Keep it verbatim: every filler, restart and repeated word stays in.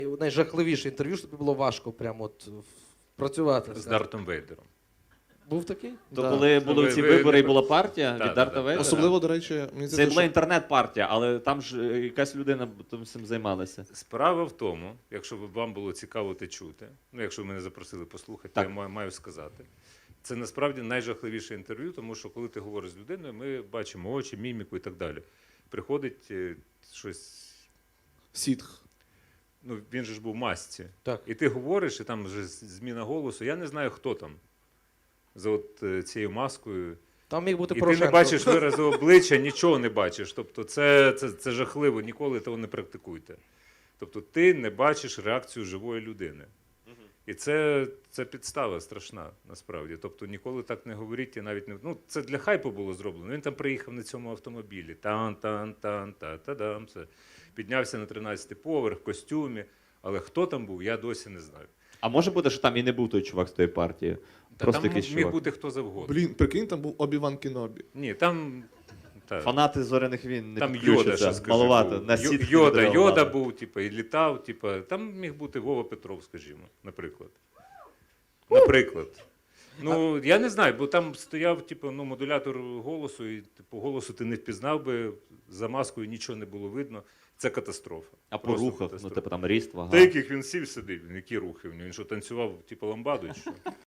найжахливіше інтерв'ю, що тобі було важко прямо от працювати? З Дартом Вейдером. Був такий? То Да. коли були ви- ці ви вибори і не- була партія Да, від да, Дарта да. Вейдера? Особливо, до речі, мені Це здається, була що інтернет-партія, але там ж е, якась людина тим всім займалася. Справа в тому, якщо б вам було цікаво те чути, ну якщо ви мене запросили послухати, Так. я маю, маю сказати. Це насправді найжахливіше інтерв'ю, тому що коли ти говориш з людиною, ми бачимо очі, міміку і так далі. Приходить е, щось, сітх. ну він же ж був в масці. Так. І ти говориш, і там вже зміна голосу. Я не знаю, хто там за от е, цією маскою. Там міг бути І ти Порошенко. не бачиш виразу обличчя, нічого не бачиш. Тобто це, це, це жахливо, ніколи того не практикуйте. Тобто ти не бачиш реакцію живої людини. І це, це підстава страшна, насправді. Тобто ніколи так не говоріть і навіть не... Ну, це для хайпу було зроблено. Він там приїхав на цьому автомобілі. Тан-тан-тан-та-та-дам. Це. Піднявся на тринадцятий поверх, в костюмі. Але хто там був, я досі не знаю. А може бути, що там і не був той чувак з тої партії? Та Просто там якийсь міг чувак. бути хто завгодно. Блін, прикинь, там був Обі-Ван Кенобі. Ні, там... Та. Фанати зоряних війн не Там Йода, підключаться. ще скажи, Маловато. був. На Йо- сітки Йода, не Йода давали. був, типу, і літав, типу, там міг бути Вова Петров, скажімо, наприклад. Наприклад. Ну, я не знаю, бо там стояв, типу, ну, модулятор голосу, і типу, голосу ти не впізнав би, за маскою нічого не було видно. Це катастрофа. А по Просто рухах, ну катастрофа. типу там ріст, вага. Та яких він сів сидив, які рухи в нього? Він що, танцював, типу, ламбаду чи що?